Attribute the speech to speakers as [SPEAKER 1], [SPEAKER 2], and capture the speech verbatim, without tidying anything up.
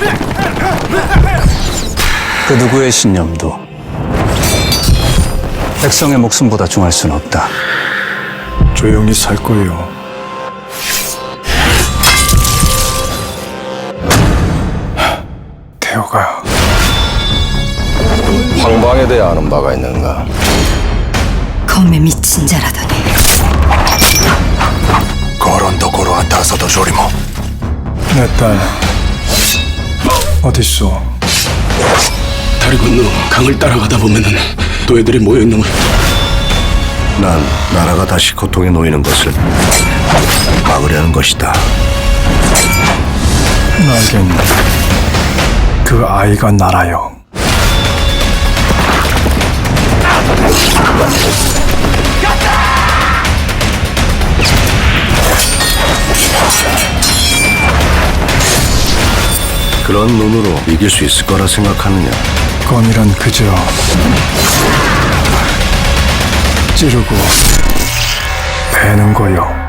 [SPEAKER 1] 그 누구의 신념도 백성의 목숨보다 중할 수는 없다.
[SPEAKER 2] 조용히 살 거예요. 태호가
[SPEAKER 3] 황방에 대해 아는 바가 있는가?
[SPEAKER 4] 검에 미친 자라더니
[SPEAKER 2] 거론도 고로한다서도 조리모. 내 딸 어딨어?
[SPEAKER 5] 다리 건너 강을 따라가다 보면은 또 애들이 모여 있는 걸.
[SPEAKER 3] 난 나라가 다시 고통에 놓이는 것을 막으려는 것이다.
[SPEAKER 2] 나에겐 그 아이가 나라요.
[SPEAKER 3] 그런 눈으로 이길 수 있을 거라 생각하느냐?
[SPEAKER 2] 검이란 그저 찌르고 베는 거요.